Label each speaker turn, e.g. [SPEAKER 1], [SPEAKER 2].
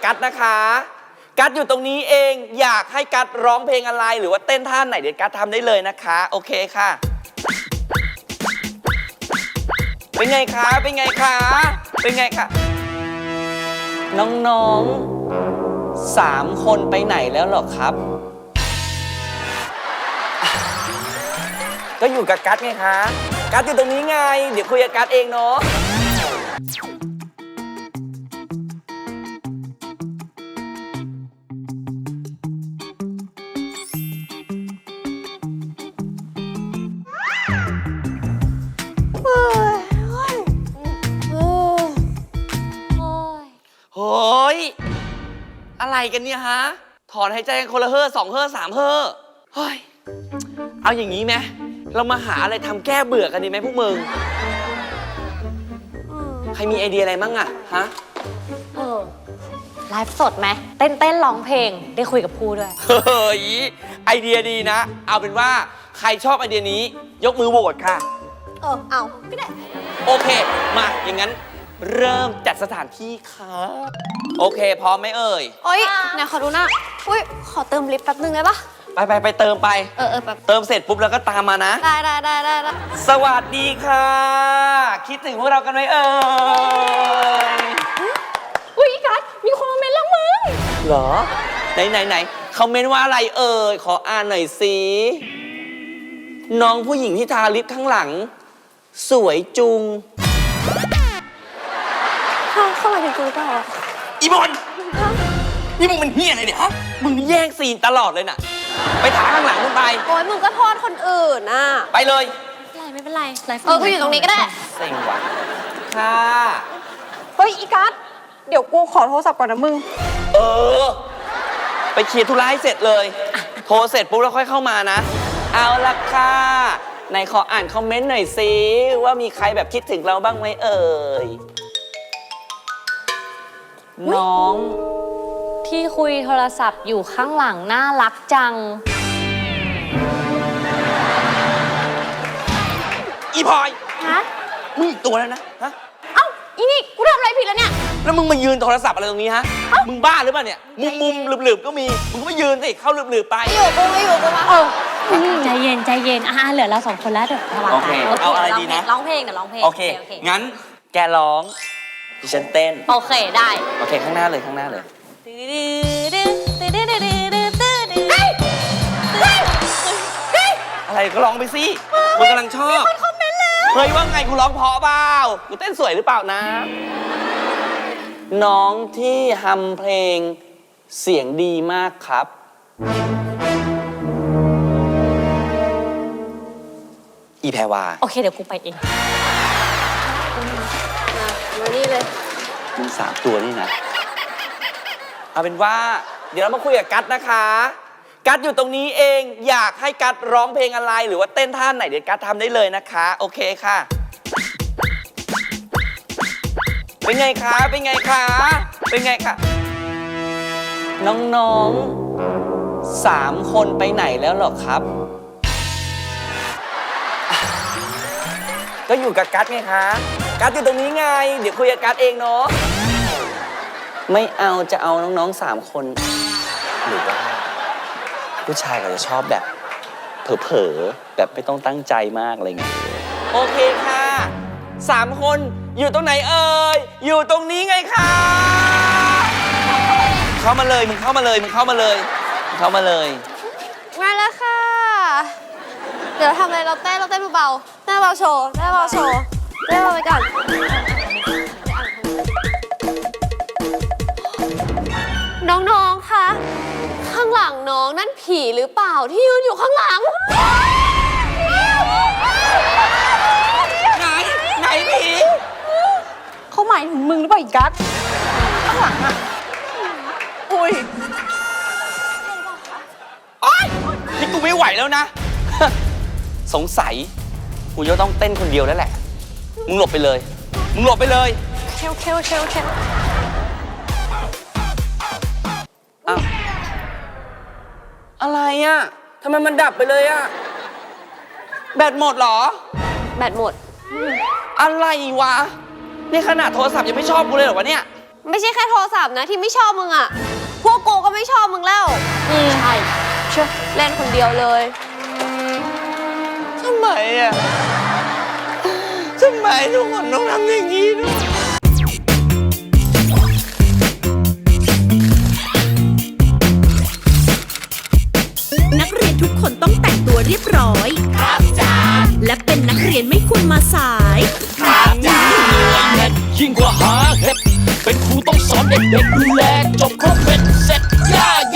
[SPEAKER 1] กัสนะคะกัสอยู่ตรงนี้เองอยากให้กัสร้องเพลงอะไรหรือว่าเต้นท่าไหนเดี๋ยวกัสทำได้เลยนะคะโอเคค่ะเป็นไงคะเป็นไงคะเป็นไงคะน้องๆ3 คนไปไหนแล้วหรอครับก็อยู่กับกัสไงคะกัสอยู่ตรงนี้ไงเดี๋ยวคุยกับกัสเองเนาะโฮ้ยอะไรกันเนี่ยฮะถอนหายใจกันคนละเฮ่อ2 เฮ่อ 3 เฮ่อเฮ้ยเอาอย่างนี้ไหมเรามาหาอะไรทำแก้เบื่อกันดีไหมพวกมึงใครมีไอเดียอะไรมั่งอะฮะ
[SPEAKER 2] ไลฟ์สดไหมเต้นร้องเพลงได้คุยกับผู้ด้วย
[SPEAKER 1] เฮ้ยไอเดียดีนะเอาเป็นว่าใครชอบไอเดียนี้ยกมือโหวตค่ะ
[SPEAKER 2] เอาก็ได้
[SPEAKER 1] โอเคมาอย่างนั้นเริ่มจัดสถานที่ค่ะโอเคพร้อมไหมเอ่ย
[SPEAKER 2] โอ๊ยไหนขอดูหน้าอุ้ยขอเติมลิฟต์แป๊บนึงได้ปะ
[SPEAKER 1] ไปเติมไป
[SPEAKER 2] แบบ
[SPEAKER 1] เติมเสร็จปุ๊บแล้วก็ตามมานะ
[SPEAKER 2] ได้
[SPEAKER 1] สวัสดีค่ะคิดถึงพวกเรากันไหมเอ่ย
[SPEAKER 2] อุ้ยกัสมีคนมาเมนต์แล้วมึง
[SPEAKER 1] เหรอไหนเขาเมนต์ว่าอะไรเอ่ยขออ่านหน่อยสิน้องผู้หญิงที่ทาลิปข้างหลังสวยจุง
[SPEAKER 2] เข้ามาถึงกูเปล่า
[SPEAKER 1] อีบอลนี่มึงเป็นเฮียอะไรเนี่ยฮะมึงแย่งซีนตลอดเลยน่ะไปถาข้างหลังมึงไป
[SPEAKER 2] โอ้ยมึงก็โทษคนอื่นน่ะ
[SPEAKER 1] ไปเลย
[SPEAKER 2] ไม่เป็นไรกูอยู่ตรงนี้ก็ได้
[SPEAKER 1] เซ็งว่ะค่ะ
[SPEAKER 2] เฮ้ยอีกัสเดี๋ยวกูขอโทรศัพท์ก่อนนะมึง
[SPEAKER 1] ไปเคลียร์ธุระให้เสร็จเลยโทรเสร็จปุ๊บแล้วค่อยเข้ามานะเอาละค่ะไหนขออ่านคอมเมนต์หน่อยสิว่ามีใครแบบคิดถึงเราบ้างไหมเอ่ยน้อง
[SPEAKER 2] ที่คุยโทรศัพท์อยู่ข้างหลังน่ารักจัง
[SPEAKER 1] อีพลอย
[SPEAKER 2] ฮะ
[SPEAKER 1] มึงอีกตัวแล้วนะฮะ
[SPEAKER 2] เอ้าอีนี่กูทำอะไรผิดแล้วเนี่ย
[SPEAKER 1] แล้วมึงมายืนโทรศัพท์อะไรตรงนี้ฮะมึงบ้าหรือเปล่าเนี่ยมุมหลืบๆก็มีมึงก็ไม่ยืนสิเข้าหลืบๆไป
[SPEAKER 2] อยู่กูมาใจเย็นเหลือเรา2 คนแล้วเดี๋ยวสบาย
[SPEAKER 1] โอเคเอาอะไรดีนะ
[SPEAKER 2] ร้องเพลงเดี๋ยวร้องเพลง
[SPEAKER 1] โอเคงั้นแกร้องดิฉันเต้น
[SPEAKER 2] โอเคได้
[SPEAKER 1] โอเคข้างหน้าเลยอะไรก็ร้องไปสิมึงกำลังชอบ
[SPEAKER 2] คอมเมนต์แล้ว
[SPEAKER 1] เฮ้ยว่าไงกูร้องเพราะเปล่ากูเต้นสวยหรือเปล่านะน้องที่ทำเพลงเสียงดีมากครับอีแพรวา
[SPEAKER 2] โอเคเดี๋ยวกูไปเองมานี่เลย
[SPEAKER 1] มึง3 ตัวนี่นะเอาเป็นว่าเดี๋ยวเรามาคุยกับกัสนะคะกัสอยู่ตรงนี้เองอยากให้กัสร้องเพลงอะไรหรือว่าเต้นท่าไหนเดี๋ยวกัสทำได้เลยนะคะโอเคค่ะเป็นไงคะเป็นไงคะน้องๆ3 คนไปไหนแล้วหรอครับก็อยู่กับกัสไงคะกัสอยู่ตรงนี้ไงเดี๋ยวคุยกับกัสเองเนาะไม่เอาจะเอาน้องๆ3 คนหรือว่าผู้ชายก็จะชอบแบบเผลอๆแบบไม่ต้องตั้งใจมากอะไรเงี้ยโอเคค่ะ3 คนอยู่ตรงไหนเอ่ยอยู่ตรงนี้ไงคะเข้ามาเลยมึงเข้ามาเลยมา
[SPEAKER 2] แล้วค่ะเดี๋ยวทำอะไรเราเต้นเบาๆเต้นเบาโชว์เต้นเบาไปก่อนน้องๆคะข้างหลังน้องนั่นผีหรือเปล่าที่ยืนอยู่ข้างหลัง
[SPEAKER 1] ไหนผี
[SPEAKER 2] เขาหมายถึงมึงหรือเปล่าอีกัสข้างหลังอะ
[SPEAKER 1] อุ้ยนี่กูไม่ไหวแล้วนะสงสัยกูจะต้องเต้นคนเดียวแล้วแหละมึงหลบไปเลย
[SPEAKER 2] เคล
[SPEAKER 1] อ้าวอะไรอ่ะทำไมมันดับไปเลยอ่ะแบตหมดเหรอ
[SPEAKER 2] แบตหมด
[SPEAKER 1] อะไรวะนี่ขนาดโทรศัพท์ยังไม่ชอบกูเลยเหรอวะเนี่ย
[SPEAKER 2] ไม่ใช่แค่โทรศัพท์นะที่ไม่ชอบมึงอะพวกกูก็ไม่ชอบมึงแล้วใช่เชื่อเล่นคนเดียวเลย
[SPEAKER 1] ทำไมอ่ะทำไมทุกคนต้องทำอย่างนี้ด้วย
[SPEAKER 3] นักเรียนทุกคนต้องแต่งตัวเรียบร้อย ครับจ้าและเป็นนักเรียนไม่ควรมาสาย
[SPEAKER 4] ยิ่งกว่าหาเห็ดเป็นครูต้องสอนเด็กๆดูแลจบครบเป็นเสร็จย่า